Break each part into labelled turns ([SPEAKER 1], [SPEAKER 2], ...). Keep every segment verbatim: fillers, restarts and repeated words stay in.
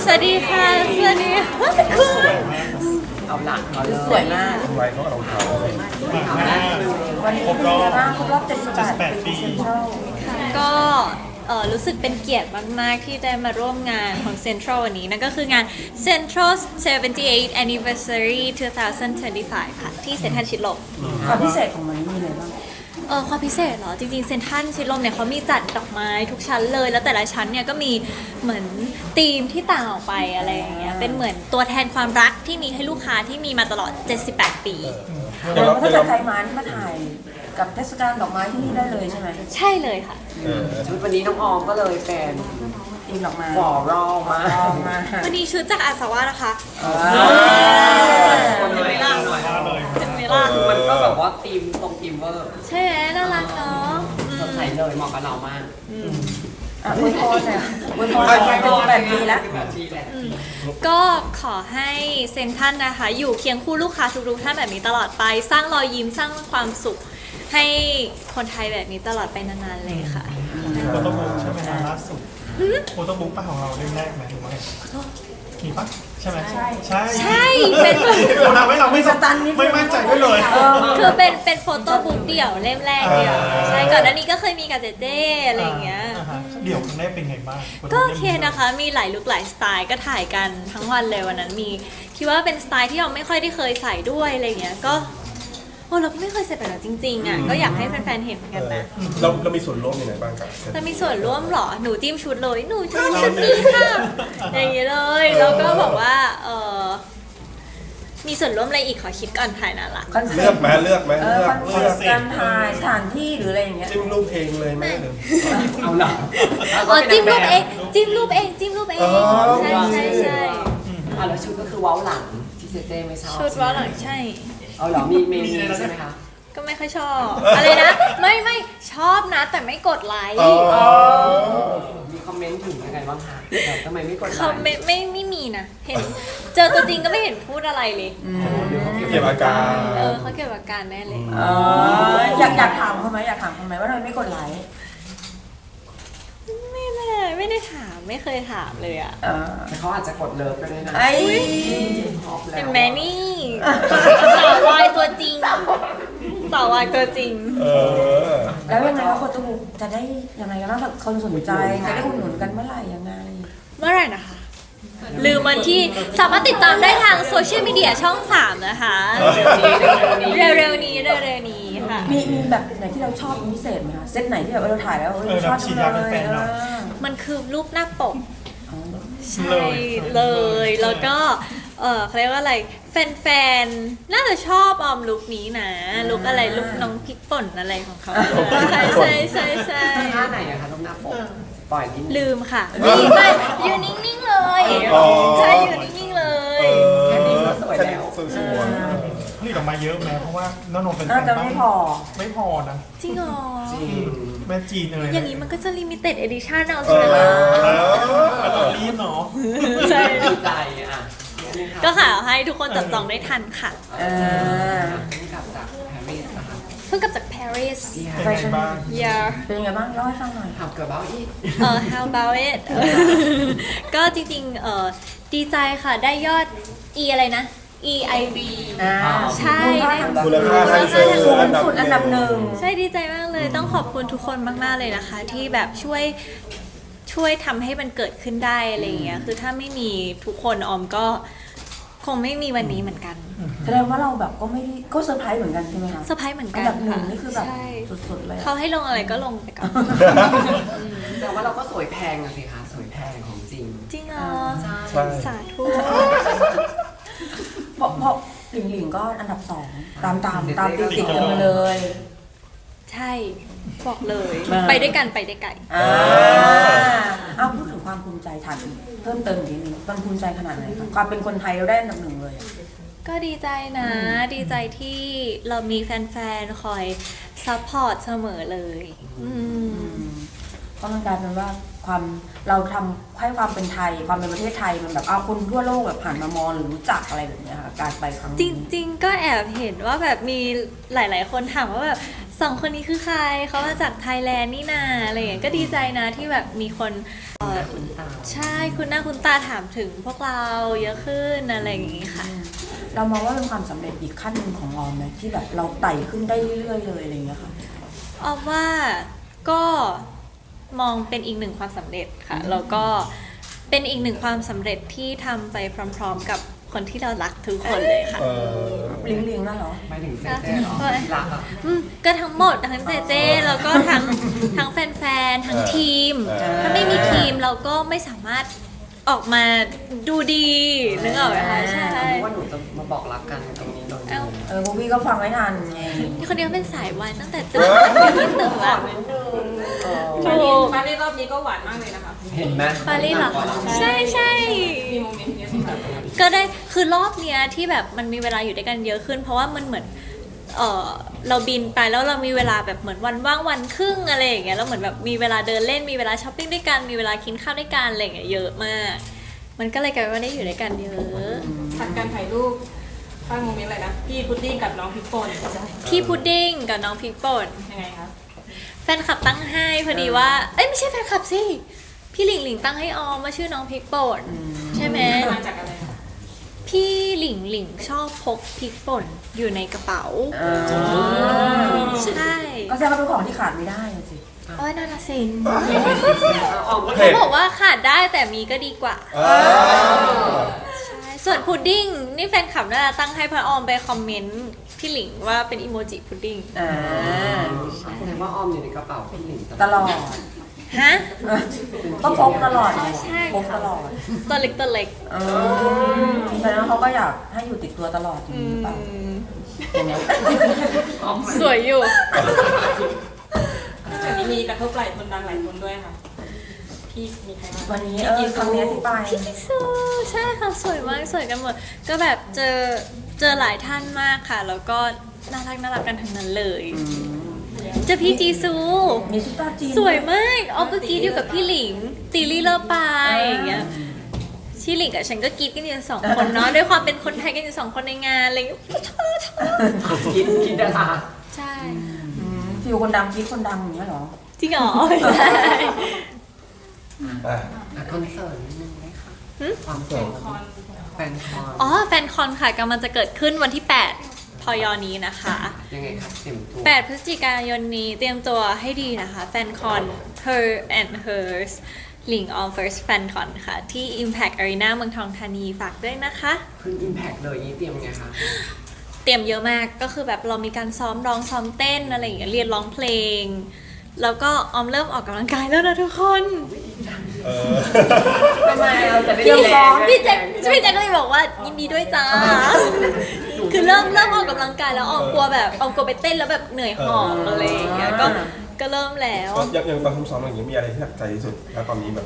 [SPEAKER 1] สวัสดีค่ะสวัสดีคุณ
[SPEAKER 2] เอาหลักเอาเลย
[SPEAKER 3] สวยมาก
[SPEAKER 4] ไว้เขากับรองเท้า
[SPEAKER 3] วันนี้เป็นยังไงบ้างครบรอบเจ็ดสิบแปดปีเซ็นทรัล
[SPEAKER 1] ก็เอ่อรู้สึกเป็นเกียรติมากๆที่ได้มาร่วมงานของ Central วันนี้นั่นก็คืองาน Central เซเวนตี้เอท Anniversary สองพันยี่สิบห้า ค่ะที่เซ็นทรัลชิดลม
[SPEAKER 3] ความพิเศษของมันมีอะไรบ้าง
[SPEAKER 1] เออความพิเศษเหรอจริงๆเซ็นทรัลชิดลมเนี่ยเขามีจัดดอกไม้ทุกชั้นเลยแล้วแต่ละชั้นเนี่ยก็มีเหมือนธีมที่ต่างออกไปอะไรอย่างเงี้ยเป็นเหมือนตัวแทนความรักที่มีให้ลูกค้าที่มีมาตลอดเจ็ดสิบแปดปี
[SPEAKER 3] เดี๋ยวถ้าเกิดใครมาที่มาถ่ายกับเทศกาลดอกไม้ที่นี่ได้เลยใช่ไหม
[SPEAKER 1] ใช่เลยค่ะ
[SPEAKER 2] ชุดวันนี้น้องออมก็เลยเป็น
[SPEAKER 3] ตีมดอกไม้
[SPEAKER 2] ฟอรัลมา
[SPEAKER 3] ออกมา
[SPEAKER 1] วันนี้ชุดจากอาสาวะนะคะ
[SPEAKER 2] คนเลยล่าหน่อย
[SPEAKER 1] เจมเมล่า
[SPEAKER 2] มันก็แบบว่าทีมตรงทีมเวอร์
[SPEAKER 1] ใช่ไหมน่ารักเนาะ
[SPEAKER 2] สดใสเลยเหมาะกับเรามาก
[SPEAKER 3] อ่ะอวยพรหน่อยอวยพรไปเป็นแปดปีแล้ว
[SPEAKER 2] แบบนี้แหละ
[SPEAKER 1] ก็ขอให้เซนทรัลนะคะ อยู่เคียงคู่ลูกค้าทุกๆท่านแบบนี้ตลอดไปสร้างรอยยิ้มสร้างความสุข ให้คนไทยแบบนี้ตลอดไปนานๆเลยค่ะ
[SPEAKER 5] โฟโต้บุ๊กใช่ไหมล่าสุดโฟโต้บุ๊กป้าของเราเล่มแรกไหมหรือว่าไงมีปะใช่ไหมใช่ใช่
[SPEAKER 1] ใช่เป็น
[SPEAKER 5] เราทำให้เราไม่ไม่มั่นใจด้วยเลย
[SPEAKER 1] คือเป็นเป็นโฟโต้บุ๊กเดี่ยวเล่มแรกเดี่ยวใช่ก่อนหน้านี้ก็เคยมีกับเจเจ้อะไรอย่างเงี้ย
[SPEAKER 5] เดี๋ยวครั้งแรกเป็นไงบ้าง
[SPEAKER 1] ก็โอเคนะคะ มีหลายลุคหลายสไตล์ก็ถ่ายกันทั้งวันเลยวันนั้นมีคิดว่าเป็นสไตล์ที่เราไม่ค่อยได้เคยใส่ด้วยอะไรอย่างเงี้ยก็โอ้เราก็ไม่เคยใส่แบบนั้นจริงๆอ่ะก็อยากให้แฟนๆเห็นเหมือนกันนะ
[SPEAKER 4] เราเรามีส่วนร่วมยังไงบ้างกับ
[SPEAKER 1] แต่มีส่วนร่วมเหรอหนูจิ้มชุดเลยหนูชอบชุดนี้ค่ะอย่างเงี้ยเลยแล้วก็บอกว่าเออมีส่วนร่วมอะไรอีกขอคิดก่อนถ่ายน่ารัก
[SPEAKER 3] คอนเสิ
[SPEAKER 4] เลื
[SPEAKER 3] ร์
[SPEAKER 4] อ
[SPEAKER 3] ต
[SPEAKER 4] กไหมเลือกไหม
[SPEAKER 3] เอ
[SPEAKER 4] เลื
[SPEAKER 3] อ
[SPEAKER 4] อก
[SPEAKER 3] คอนเสิร์ตการถ่ายสถานที่หรืออะไรอย่างเงี้ย
[SPEAKER 4] จิ้มรูปเองเลยไหมหรือ
[SPEAKER 2] เอาหลัก
[SPEAKER 1] อ๋อจิ้มรูปเองจิ้มรูปเองจิ้มรูปเองใช่ใช่ใช่
[SPEAKER 2] อ่ะแล้วชุดก็คือเว้าหลังที่เจเจไม่ชอบ
[SPEAKER 1] ชุดว่าหลังใช่
[SPEAKER 2] เอาเหรอมีเมนูใช่ไหมคะ
[SPEAKER 1] ก็ไม่ค่อยชอบ อะไรนะ ไม่ไม่ชอบนะ แต่ไม่กดไลค์
[SPEAKER 2] มีคอมเมนต์ถึงยังไงบ้างคะแบบทำไมไม่กดไล
[SPEAKER 1] เขา
[SPEAKER 2] ค์
[SPEAKER 1] ไม่ไม่ไม่มีนะ เห็น เจอตัวจริงก็ไม่เห็นพูดอะไรเลย
[SPEAKER 4] เก็บอาการ
[SPEAKER 1] เออเขาเก็บอาการแน่เลย
[SPEAKER 3] เอออยากอยากถามเขาไหมอยากถามเขาไหมว่าทำไมไม่กดไลค์
[SPEAKER 1] ไม่ไม่ได้ไม่ได้ถามไม่เคยถามเลยอ่ะ
[SPEAKER 3] เออ
[SPEAKER 2] แต่เขาอาจจะกดเลิฟก็ได้นะ
[SPEAKER 3] ไอ้
[SPEAKER 2] ชอบแล้ว
[SPEAKER 1] เห็นไหมนี่สาววายตัวจริงสาววายตัวจริง
[SPEAKER 4] เออ
[SPEAKER 3] แล้วยังไงว่าโฟโต้บุ๊กจะได้ยังไงกันบ้างถ้าคนสนใจจะได้อุดหนุนกันเมื่อไหร่ยังไง
[SPEAKER 1] เมื่อไหร่นะคะ ลืมวันที่สามารถติดตามได้ทางโซเชียลมีเดียช่องสามนะคะ
[SPEAKER 2] เร็วๆนี้เร็วๆนี้
[SPEAKER 1] เร็วๆนี้เร็วๆนี้ค่ะ
[SPEAKER 3] มีมีแบบไหนที่เราชอบเป็นพิเศษไหมคะเซตไหนที่แบบเราถ่ายแล้วเออเราชอบจังเลยเออ
[SPEAKER 1] มันคือรูปหน้าปก
[SPEAKER 3] อ๋อ
[SPEAKER 1] ใช่เลย แล้วก็ เออเขาเรียกว่าอะไร แฟนๆ น่าจะชอบออมลุคนี้นะ ลุคอะไร ลุคน้องพริกป่นอะไรของเขา ใช่ใช่ใช่ใช่
[SPEAKER 2] ท่าไหนอะคะลูกหน้าปกปล่อยนิดนึง
[SPEAKER 1] ลืมค่ะนี่ไปอยู่นิ่งๆเลย
[SPEAKER 4] อ๋อ
[SPEAKER 1] ใช่อยู่นิ่งๆเลย
[SPEAKER 2] แค่นี้ก็สวยแล้ว
[SPEAKER 4] สวยสวย
[SPEAKER 5] ผลิตออกมาเยอะไหมเพราะว่าน้องนนท์เป็น
[SPEAKER 3] น่าจะไม่พอ
[SPEAKER 5] ไม่พอนะ
[SPEAKER 1] จริงเหรอ
[SPEAKER 2] จริง
[SPEAKER 5] แม่จีนเลย
[SPEAKER 1] อย่างนี้มันก็จะลิมิเต็ดเอดิชั่นเอา
[SPEAKER 4] เอ
[SPEAKER 1] ใช่ไหม
[SPEAKER 4] อ
[SPEAKER 5] เรารีบเนาะ
[SPEAKER 1] ใช่
[SPEAKER 2] ดีใจอ่ะ
[SPEAKER 1] ก็ค่ะให้ทุกคนจับจองได้ทันค่ะ
[SPEAKER 3] เออ
[SPEAKER 2] นี่กลับจากปารีสนะคะ
[SPEAKER 1] เพิ่งกลับจากปารีส
[SPEAKER 5] เป็นไงบ้าง
[SPEAKER 1] yeah
[SPEAKER 3] เป็นยังไงบ้างเล่าให้ฟังหน่อย
[SPEAKER 2] ทำเกือบเบ้าอีก
[SPEAKER 1] เออ how about it ก็จริงๆ เออดีใจค่ะ ได้ยอด e อะไรนะ e i b
[SPEAKER 3] อ่า
[SPEAKER 1] ใช่
[SPEAKER 4] มูลค่าทางซื้อ
[SPEAKER 3] สูง
[SPEAKER 4] อันดับ
[SPEAKER 3] สุดอันดับหนึ่ง
[SPEAKER 1] ใช่ดีใจมากเลย ต้องขอบคุณทุกคนมากๆเลยนะคะ ที่แบบช่วยช่วยทำให้มันเกิดขึ้นได้อะไรอย่างเงี้ย คือถ้าไม่มีทุกคนออมก็คงไม่มีวันนี้เหมือนกัน
[SPEAKER 3] แสดงว่าเราแบบก็ไม่ได้ก็เซอร์ไพรส์เหมือนกันใช่ไหมคะ
[SPEAKER 1] เซอร์ไพรส์เหมือน
[SPEAKER 3] อั
[SPEAKER 1] กัน น
[SPEAKER 3] ดับหนึ่ง
[SPEAKER 1] ค่ะ
[SPEAKER 3] นี่คือแบบ
[SPEAKER 1] ใช่
[SPEAKER 3] สุดๆเลยอะ
[SPEAKER 1] เขาให้ลงอะไรก็ลงไปก่อน
[SPEAKER 2] แต่ว่าเราก็สวยแพงอะสิคะ สวยแพงของจริง
[SPEAKER 1] จริงเหรอ
[SPEAKER 4] ใช่
[SPEAKER 1] สาธุ
[SPEAKER 3] เพราะเพราะหลิงหลิงก็อันดับสองตามตามตามติดติดกันมาเลย
[SPEAKER 1] ใช่บอกเลย
[SPEAKER 3] มา
[SPEAKER 1] ไปด้วยกันไปได้ไกล
[SPEAKER 3] อ่าเอาพูดถึงความภูมิใจถามเพิ่มเติมอีกนิดนึงมันภูมิใจขนาดไหนคะความเป็นคนไทยเราได้อันดับหนึ่งเลยอะ
[SPEAKER 1] ก็ดีใจนะ ดีใจที่เรามีแฟนๆ คอยซัพพอร์ตเสมอเลยอืม
[SPEAKER 3] ก็มันกลายเป็นว่าความเราทำให้ความเป็นไทย ความเป็นประเทศไทยมันแบบเอาคนทั่วโลกแบบผ่านมามองหรือรู้จักอะไรแบบเนี้ยค่ะการไปครั้ง
[SPEAKER 1] จ
[SPEAKER 3] นี้
[SPEAKER 1] ริงๆ ก็แอบเห็นว่าแบบมีหลายๆ คนถามว่าแบบสสองคนนี้คือใครเขามาจากไทยแลนด์นี่นาอะไรอย่างเงี้ยก็ดีใจนะที่แบบมีคนเอ่อ
[SPEAKER 2] คุณตา
[SPEAKER 1] ใช่คุณหน้าคุณตาถามถึงพวกเราเยอะขึ้นอะไรอย่างงี้ค่ะ
[SPEAKER 3] เรามองว่าเป็นความสำเร็จอีกขั้นหนึ่งของออมไหมที่แบบเราไต่ขึ้นได้เรื่อยๆเลยอะไรอย่างเงี้ยค่ะ
[SPEAKER 1] ออมว่าก็มองเป็นอีกหนึ่งความสำเร็จค่ะแล้วก็เป็นอีกหนึ่งความสำเร็จที่ทำไปพร้อมๆ กับคนที่เรารักทุกคนเลยค่ะ
[SPEAKER 4] เออ
[SPEAKER 3] ลิงลิงนั่นเหรอ
[SPEAKER 2] ไปถึงเจ๊เจ๊เหรอที่รักอ่ะ
[SPEAKER 1] อืมก็ทั้งหมดทั้งเจเจแล้วก็ทั้งทั้งแฟนๆทั้งทีม ถ้าไม่มีทีมเราก็ไม่สามารถออกมาดูดีนึกออกไหมคะใช่
[SPEAKER 2] ว่าหนูจะมาบอกรักกันตรงนี้ตรงนี้
[SPEAKER 1] เอ้า
[SPEAKER 3] เออโบวี่ก็ฟังไม่ทันไง
[SPEAKER 1] นี่คนเดียวเป็นสายวายตั้งแต่ตื่นที่ตื่นละ
[SPEAKER 6] ปารีสปารีสรอบนี้ก็หวานมากเลยนะคะ
[SPEAKER 2] เห็นไหม
[SPEAKER 1] ปารีสเหรอคะใช่ใช่
[SPEAKER 6] มีโมเมนต์เนี้ยที่แบบ
[SPEAKER 1] ก็ได้คือรอบเนี้ยที่แบบมันมีเวลาอยู่ด้วยกันเยอะขึ้น เพราะว่ามันเหมือนเออเราบินไปแล้วเรามีเวลาแบบเหมือนวันว่างวันครึ่งอะไรอย่างเงี้ยแล้วเหมือนแบบมีเวลาเดินเล่นมีเวลาช้อปปิ้งด้วยกันมีเวลากินข้าวด้วยกันอะไรอย่างเงี้ยเยอะมาก มันก็เลยกลายเป็นว่าได้อยู่ด้วยกันเยอะ
[SPEAKER 6] ผัดการถ่ายรูปสร้างโมเมนต์อะไรนะ พี่พุดดิ้งกับน้องพริกป่น
[SPEAKER 1] พี่พุดดิ้งกับน้องพริกป่น
[SPEAKER 6] ยังไงคะ
[SPEAKER 1] แฟนคลับตั้งให้พอดีว่าเอ้ยไม่ใช่แฟนคลับสิพี่หลิงหลิงตั้งให้ออมว่าชื่อน้องพริกป่นใช่ไหม
[SPEAKER 6] มาจากอะไรคะ
[SPEAKER 1] พี่หลิงหลิงชอบพกพริกป่นอยู่ในกระเป๋า ใช่
[SPEAKER 3] ก็แสดงว่าเป็นของที่ขาดไม่ได้อะสิ
[SPEAKER 1] โอ้ยน่ารักสิ
[SPEAKER 2] ออกมา
[SPEAKER 1] เขาบอกว่าขาดได้แต่มีก็ดีกว่า
[SPEAKER 4] อ่า
[SPEAKER 1] ใช่ส่วนพุดดิ้งนี่แฟนคลับน่าจะตั้งให้พระออมไปคอมเมนต์พี่หลิงว่าเป็นอีโมจิพุดดิ้ง
[SPEAKER 3] อ่า
[SPEAKER 2] แสดงว่าออมอยู่ในกระเป๋าพี่หลิง
[SPEAKER 3] ตลอด
[SPEAKER 1] ฮะ
[SPEAKER 3] ก็พกตลอดไง
[SPEAKER 1] ใช่
[SPEAKER 3] พกตลอด
[SPEAKER 1] ตัวเล็กตัวเล็ก
[SPEAKER 3] เออแสดงว่าเขาก็อยากให้อยู่ติดตัวตลอดอย่าง
[SPEAKER 1] อื
[SPEAKER 3] นี้หรือเปล่า
[SPEAKER 1] ม
[SPEAKER 3] เห็นไหม
[SPEAKER 1] สวยอยู่
[SPEAKER 6] จากนี้มีกระทบหลายคนดังหลายคนด้วยค่ะ พี่มีใครบ้าง
[SPEAKER 3] วันนี้เออครั้งเนี้ยที่ไป
[SPEAKER 1] พี่ซิซูใช่ค่ะสวยมากสวยกันหมดก็แบบเจอเจอหลายท่านมากค่ะ แล้วก็น่ารักน่ารักกันทั้งนั้นเลยเจอพี่จีซู
[SPEAKER 3] มีซุปตาจีน
[SPEAKER 1] สวยมากออมก็กรีดอยู่กับพี่หลิง ตีลี่เลอร์ปายอย่างเงี้ยพี่หลิงกับฉันก็กรีดกันอยู่สองคนเนาะด้วยความเป็นคนไทยกันอยู่สองคนในงานอะไรอย่างเงี้ยชอบชอบ
[SPEAKER 2] กินกินดารา
[SPEAKER 1] ใช่
[SPEAKER 3] อืมฟิลคนดังคิดคนดังอย่างเงี้ยเหรอ
[SPEAKER 1] จริงเหรอใช่
[SPEAKER 4] อ่ะ
[SPEAKER 2] อ่ะคอนเสิร์ตนิดนึงไหมคะความแฟนคอนแฟนคอน
[SPEAKER 1] อ๋อแฟนคอนค่ะกำลังจะเกิดขึ้นวันที่แปดพยนี้นะคะ
[SPEAKER 2] ยังไงครับเต็มตัว
[SPEAKER 1] แปดพฤศจิกายนนี้เตรียมตัวให้ดีนะคะ แฟนคอน Her and Hers หลิง on first fan con ค่ะ ที่ Impact Arena เมืองทองธานีฝากด้วยนะคะ
[SPEAKER 2] ขึ้นอิมแพคเลยนี่เตรียมไงคะ
[SPEAKER 1] เตรียมเยอะมากก็คือแบบเรามีการซ้อมร้องซ้อมเต้นอะไรอย่างเงี้ยเรียนร้องเพลง แล้วก็ออมเริ่มออกกำลังกายแล้วนะทุกคน
[SPEAKER 4] เออ
[SPEAKER 2] ทำไมเราจะได้
[SPEAKER 1] พี่
[SPEAKER 2] แรง
[SPEAKER 1] พี่แจ็คพี่แจ็คก็เลยบอกว่ายินดีด้วยจ้า คือเริ่มเริ่มออกกำลังกายแล้วออมกลัวแบบออมกลัวไปเต้นแล้วแบบเหนื่อยหอบอะไรอย่างเงี้ยก็ก็เริ่มแล้ว
[SPEAKER 4] อย่างอย่างตอนทำซ้อมอย่างนี้มีอะไรที่หนักใจที่สุดแล้วตอนนี้แบบ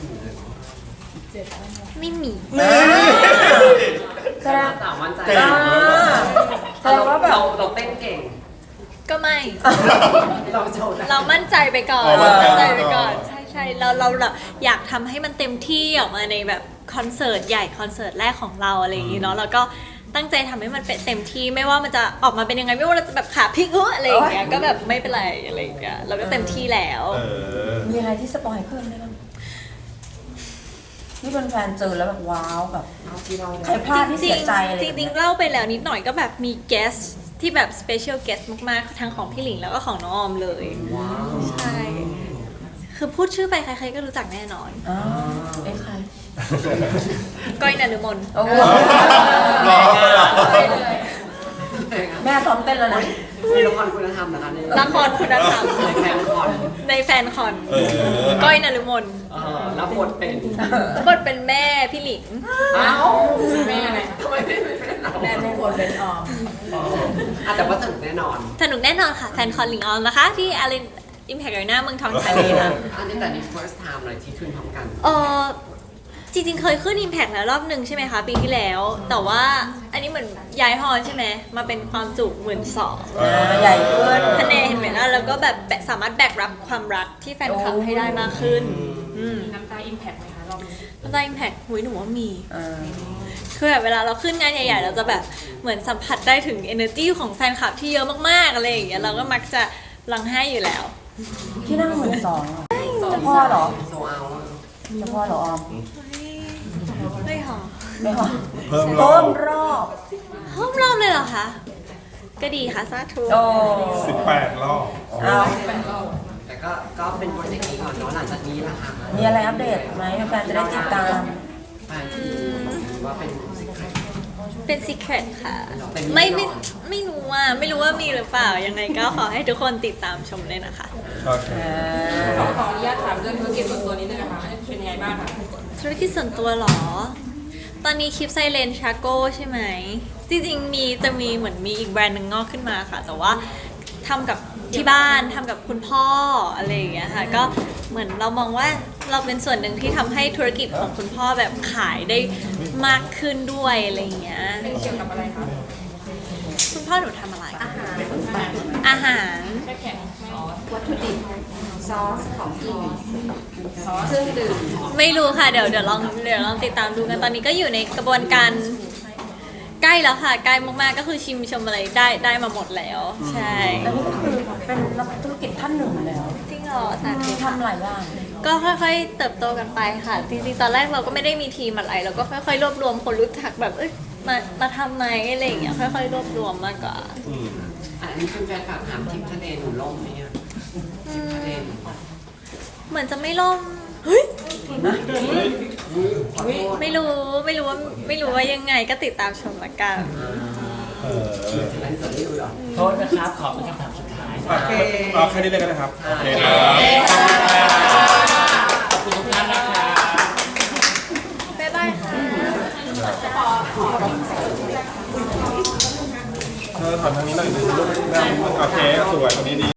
[SPEAKER 1] ไม่มี
[SPEAKER 3] แสดง
[SPEAKER 2] สาวมั่นใจ
[SPEAKER 4] เก่งแล้วเหรอ
[SPEAKER 3] แสดงว่าแบบ
[SPEAKER 2] เราเราเต้นเก่ง
[SPEAKER 1] ก็ไม่
[SPEAKER 2] เราโชว์ได้
[SPEAKER 1] เรามั่นใจไปก่อน
[SPEAKER 4] อ๋อมั่
[SPEAKER 1] มั่
[SPEAKER 4] น
[SPEAKER 1] น
[SPEAKER 4] ใจ
[SPEAKER 1] ใจไปก่อน ใช่ใช่เราเราแบบอยากทำให้มันเต็มที่ออกมาในแบบคอนเสิร์ตใหญ่คอนเสิร์ตแรกของเราอะไรอย่างงี้เนาะแล้วก็ตั้งใจทำให้มันเป็นเต็มที่ไม่ว่ามันจะออกมาเป็นยังไงไม่ว่าเราจะแบบขาพลิกเอออะไรอย่างเงี้ยก็แบบไม่เป็นไรอะไรอย่างเงี้ยเราก็เต็มที่แล้ว
[SPEAKER 4] เออ
[SPEAKER 3] มีอะไรที่สปอยเพิ่มได้บ้างที่เป็นแฟนๆเจอแล้วแบบว้าวแบบ
[SPEAKER 2] เอาที่เรา
[SPEAKER 3] ใครพลาดที่เสียใจอะไร
[SPEAKER 1] จ
[SPEAKER 3] แบบ
[SPEAKER 1] ริ
[SPEAKER 3] เนี้
[SPEAKER 1] ง
[SPEAKER 3] ย
[SPEAKER 1] ๆเล่าไปแล้วนิดหน่อยก็แบบมี guest ที่แบบ special guest มากๆทั้งของพี่หลิงแล้วก็ของน้องออมเลย
[SPEAKER 2] ว้าว
[SPEAKER 1] ใช่ คือพูดชื่อไปใครๆก็รู้จักแน่นอน
[SPEAKER 3] อ๋อเอ้ใคร
[SPEAKER 1] ก้อยนฤมล
[SPEAKER 3] โอ้โห
[SPEAKER 4] รอเลยอ่ะ
[SPEAKER 3] แม่ซ้อมเต้นแล้วนะ
[SPEAKER 2] มีละครคุณธรรมนะคะใน
[SPEAKER 1] ละครคุณธรรม
[SPEAKER 2] ในแฟนคอน
[SPEAKER 1] ในแฟนคอน
[SPEAKER 4] เออ
[SPEAKER 1] ก้อยนฤมล
[SPEAKER 2] เออรับบทเป็น
[SPEAKER 1] บทเป็นแม่พี่หลิง
[SPEAKER 2] อ้าว
[SPEAKER 6] แม่อะไร
[SPEAKER 2] ทำไมไม่เป็นเรา
[SPEAKER 6] แม่ทุกคนเป็นออม
[SPEAKER 2] อ่ะแต่ว่าสนุกแน่นอน
[SPEAKER 1] สนุกแน่นอนค่ะ แฟนคอนหลิงออมนะคะ ที่อารีนอิมแพคอารีนาเมืองทองธานีค่ะ
[SPEAKER 2] อันนี้แต่นี่ first time เลยที่ขึ้นพร้อมกัน
[SPEAKER 1] เออจริงๆ เคยขึ้น Impact แล้วรอบหนึ่งใช่ไหมคะ ปีที่แล้ว แต่ว่าอันนี้เหมือนย้ายฮอลล์ใช่ไหมมาเป็นความจุหมื่นสอง
[SPEAKER 3] อ่าใหญ่ขึ้น
[SPEAKER 1] คะแนนเห็นไหมล่ะแล้วก็แบบสามารถแบกรับความรักที่แฟนคลับให้ได้มากขึ้น อืม
[SPEAKER 6] มีน้ำตาอิมแพคไหมคะรอบนี้
[SPEAKER 1] น้ำตาอิมแพคหุยหนูว่ามี
[SPEAKER 3] เออ
[SPEAKER 1] คือแบบเวลาเราขึ้นงานใหญ่ๆ เราจะแบบเหมือนสัมผัสได้ถึง energy ของแฟนคลับที่เยอะมากๆอะไรอย่างเงี้ยเราก็มักจะร้องไห้อยู่แล้ว
[SPEAKER 3] ที่นั่งเหมือนสองเหรอเจ้าพ่อเหรอ
[SPEAKER 2] โซเอาอะ
[SPEAKER 3] เจ้าพ่อเหรอออม
[SPEAKER 1] ไม่หรอ
[SPEAKER 3] ไม่หรอ
[SPEAKER 4] เพิ่มรอ
[SPEAKER 3] เพิ่
[SPEAKER 4] บ
[SPEAKER 3] มรอบ
[SPEAKER 1] ห้อมรอบเลยเหรอคะ ก็ดีค่ะสาธุ
[SPEAKER 3] โอ้
[SPEAKER 4] สิบแปดรอบ
[SPEAKER 3] เอา
[SPEAKER 2] แต่ก็ก็เป็นโปรเจกต์นี้ก่อนเนาะหลังจากนี้ล่ะค่ะ
[SPEAKER 3] มีอะไรอัปเดตไหมแฟนๆจะได้ติดตาม
[SPEAKER 2] แฟนที่ว่าเป็นสิคเรต
[SPEAKER 1] เป็น secret ค่ะ
[SPEAKER 2] เป็น
[SPEAKER 1] ไม่ไม่
[SPEAKER 2] หรอ
[SPEAKER 1] ไม่รู้ว่าไม่รู้ว่ามีหรือเปล่า ยังไงก็ขอให้ทุกคนติดตามชมเลยนะคะ
[SPEAKER 4] โอเค
[SPEAKER 6] ขอขออนุญาตถามเรื่องธุรกิจส่วนตัวนิดนึงนะคะเป็นยังไงบ้างคะ
[SPEAKER 1] ธุรกิจส่วนตัวเหรอ ตอนนี้คลิปไซเลนชาโก้ใช่ไหม จริงๆ มีจะมีเหมือนมีอีกแบรนด์หนึ่งงอกขึ้นมาค่ะ แต่ว่าทำกับที่บ้านทำกับคุณพ่ออะไรอย่างเงี้ยค่ะ ก็เหมือนเรามองว่าเราเป็นส่วนหนึ่งที่ทำให้ธุรกิจของคุณพ่อแบบขายได้มากขึ้นด้วยอะไรอย่างเงี้ย
[SPEAKER 6] เป็นเกี่ยวกับอะไรคะ
[SPEAKER 1] คุณพ่อหนูทำอะไร อาหาร อาหาร
[SPEAKER 6] แค่แข็งไม่อ๋อ
[SPEAKER 2] วัตถุดิบซอสของกินเครื่องดื่ม
[SPEAKER 1] ไม่รู้ค่ะ เดี๋ยวเดี๋ยวลองเดี๋ยวลองติดตามดูกัน ตอนนี้ก็อยู่ในกระบวนการใกล้แล้วค่ะ ใกล้มากๆ ก็คือชิมชมอะไรได้ได้มาหมดแล้ว ใช่
[SPEAKER 3] แล้วนี่ก็คือเป็นนักธุรกิจท่านหนึ่งแล้ว
[SPEAKER 1] จริงเหรอสาธุ
[SPEAKER 3] ทำหลายอย่าง
[SPEAKER 1] ก็ค่อยๆ เติบโตกันไปค่ะ จริงๆ ตอนแรกเราก็ไม่ได้มีทีมอะไร เราก็ค่อยๆ รวบรวมคนรู้จักแบบ เอ้ย มา มาทำไหมอะไรอย่างเงี้ย ค่อยๆ รวบรวมมากกว่า
[SPEAKER 4] อืม
[SPEAKER 2] อันนี้เป็นแฟนฝากถามทริปทะเลหนูล่มไหมอ่ะทริปทะเลหนู
[SPEAKER 1] เหมือนจะไม่ล่ม เฮ้ย
[SPEAKER 2] ขอโทษ
[SPEAKER 1] ไม่รู้ ไม่รู้ว่า ไม่รู้ว่ายังไง ก็ติดตามชมละกัน
[SPEAKER 4] เออ
[SPEAKER 2] อันนี้สดที่ดูเหรอ
[SPEAKER 7] โทษนะครับ ขอเป็นคำถามสุดท้าย
[SPEAKER 4] โอเคเอาแค่นี้เลยก็ได้ครับ โอเคครับ
[SPEAKER 7] ขอบคุณทุกท่านนะครับ
[SPEAKER 1] บ๊ายบายค่ะ
[SPEAKER 4] เธอถอนทางนี้หน่อยนึงลูกหน้าโอเค สวยตรงนี้ดี